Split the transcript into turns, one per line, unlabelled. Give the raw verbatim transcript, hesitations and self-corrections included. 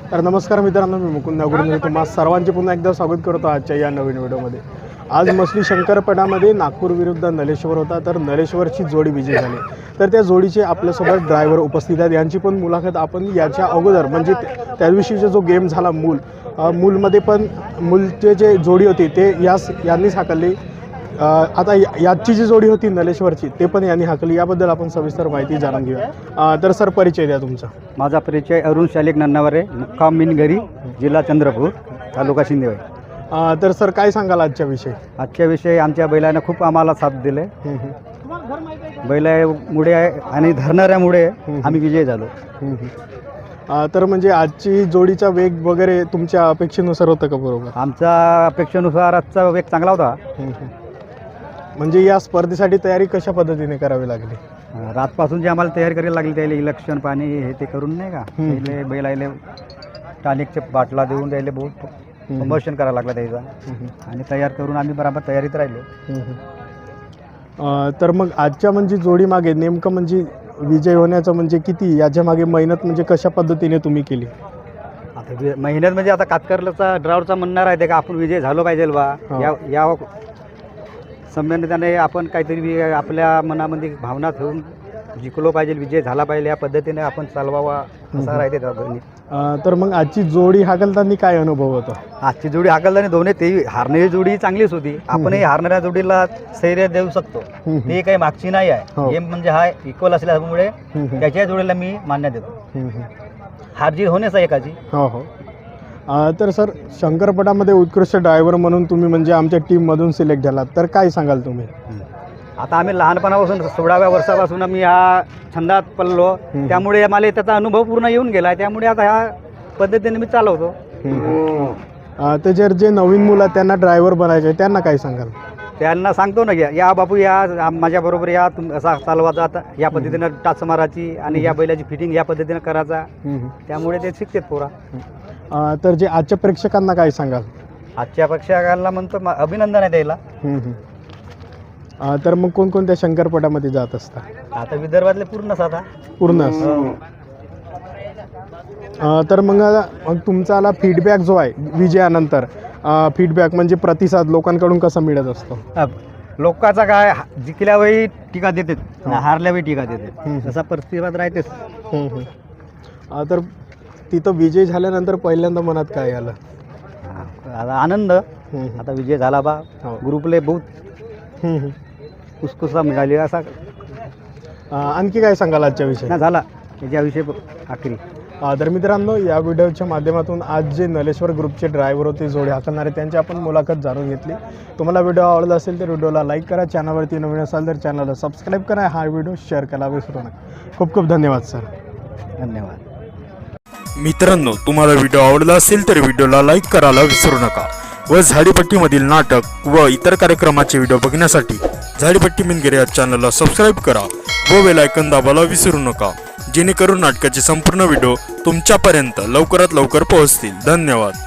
तर नमस्कार मित्रांनो, मी मुकुंद नागुर्डे तुम्हा सर्वांचे पुन्हा एकदा स्वागत करतो आजच्या या नवीन व्हिडिओमध्ये। आज मछली शंकरपटामध्ये नागपूर विरुद्ध नलेश्वर होता, तर नलेश्वरची जोडी विजय झाली। तर त्या जोडीचे आपल्यासोबत ड्रायव्हर उपस्थित आहेत, यांची पण मुलाखत आपण याच्या अगोदर म्हणजे त्या दिवशीचा जो गेम झाला मूल मूलमध्ये पण मूलचे जे जोडी होती ते यास यांनीच हाकलली। आता याची जी जोडी होती नलेश्वरची ते पण यांनी हाकली, याबद्दल आपण सविस्तर माहिती जाणून घेऊया। तर सर परिचय द्या तुमचा।
माझा परिचय अरुण शालिक नन्नावरे, मुक्काम मिनगरी, जिल्हा चंद्रपूर, तालुका शिंदेवाई।
तर सर काय सांगाल आजच्या विषयी?
आजच्या विषयी आमच्या बैलानं खूप आम्हाला साथ दिले, बैलामुळे आणि धरणाऱ्यामुळे आम्ही विजय झालो।
तर म्हणजे आजची जोडीचा वेग वगैरे तुमच्या अपेक्षेनुसार होतं का? बरोबर,
आमच्या अपेक्षेनुसार आजचा वेग चांगला होता।
म्हणजे या स्पर्धेसाठी तयारी कशा पद्धतीने करावी लागली?
रातपासून जी आम्हाला तयारी करायला लागली, त्याला इलेक्शन पाणी हे ते करून नाही का, त्याला बैलाले टॉनिकचे बाटला देऊन त्याला बहुत प्रमोशन करायला लागला त्याचा, आणि तयार करून आम्ही बरोबर तयारीत राहिलो।
तर मग आजच्या म्हणजे जोडी मागे नेमकं म्हणजे विजय होण्याचं म्हणजे किती याच्या मागे मेहनत म्हणजे कशा पद्धतीने तुम्ही केली?
आता मेहनत म्हणजे आता कातकरचा ड्रायव्हरचा म्हणणार आहे ते का आपण विजय झालो पाहिजे बा, या या संबंधाने आपण काहीतरी आपल्या मनामध्ये भावना ठेवून जिंकलो पाहिजे, विजय झाला पाहिजे, या पद्धतीने आपण चालवावा असा राहते त्या दोन्ही।
तर मग आजची जोडी हाकलताना काय अनुभव होता?
आजची जोडी हाकलताना दोन्ही ते हारणारी जोडी चांगलीच होती, आपणही हारणाऱ्या जोडीला स्थैर्य देऊ शकतो, ते काही मागची नाही आहे। गेम म्हणजे हा इक्वल असल्यामुळे त्याच्या जोडीला मी मान्य देतो, हारजीत होण्याच एकाची। हो हो
तर सर शंकरपटामध्ये उत्कृष्ट ड्रायव्हर म्हणून तुम्ही म्हणजे आमच्या टीममधून सिलेक्ट झालात, तर काय सांगाल तुम्ही?
आता आम्ही लहानपणापासून सोळाव्या वर्षापासून आम्ही ह्या छंदात पडलो, त्यामुळे मला त्याचा अनुभव पूर्ण येऊन गेला, त्यामुळे आता ह्या पद्धतीने मी चालवतो।
तर जर जे नवीन मुलं त्यांना ड्रायव्हर बनायचे त्यांना काय सांगाल?
त्यांना सांगतो ना, घ्या या बापू, या माझ्याबरोबर या, तुम असा चालवायचा, आता या पद्धतीनं टाच मारायची आणि या बैलाची फिटिंग या पद्धतीनं करायचा, त्यामुळे ते शिकतात पोरा।
तर जे आजच्या प्रेक्षकांना काय सांगाल?
आजच्या प्रेक्षकांना म्हणतो अभिनंदन आहे त्याला।
तर मग कोणकोणत्या शंकरपटामध्ये जात असता?
आता विदर्भातले पूर्णच आता
पूर्ण। तर मग मग तुमचा आला फीडबॅक जो आहे विजयानंतर, फीडबॅक म्हणजे प्रतिसाद लोकांकडून कसा मिळत असतो?
लोकांचा काय, जिंकल्यावेळी टीका देतात, हारल्यावेळी टीका देतात, तसा प्रतिसाद राहतेच।
तर तिथं विजय झाल्यानंतर पहिल्यांदा मनात काय आलं?
आता आनंद, आता विजय झाला बा, ग्रुपले बहुत उत्सुकता मिळाली असा।
आणखी काय सांगाल आजच्या विषयी?
ना झाला याच्याविषयी आखरी।
तर मित्रांनो, या व्हिडिओच्या माध्यमातून आज जे नलेश्वर ग्रुपचे ड्रायव्हर होते जोडी हाकलणारे त्यांची आपण मुलाखत जाणून घेतली। तुम्हाला व्हिडिओ आवडला असेल तर व्हिडिओला लाईक करा, चॅनलवरती नवीन असाल तर चॅनलला सबस्क्राईब करा, हा व्हिडिओ शेअर करायला विसरू नका। खूप खूप धन्यवाद सर।
धन्यवाद
मित्रांनो, तुम्हाला व्हिडिओ आवडला असेल तर व्हिडिओला लाईक करायला विसरू नका व झाडीपट्टीमधील नाटक व इतर कार्यक्रमाचे व्हिडिओ बघण्यासाठी झाडीपट्टी मिनगिरी या चॅनलला सबस्क्राईब करा व बेल आयकॉन दाबायला विसरू नका, जेणेकरून नाटकाचे संपूर्ण व्हिडिओ तुमच्यापर्यंत लवकरात लवकर पोहोचतील। धन्यवाद।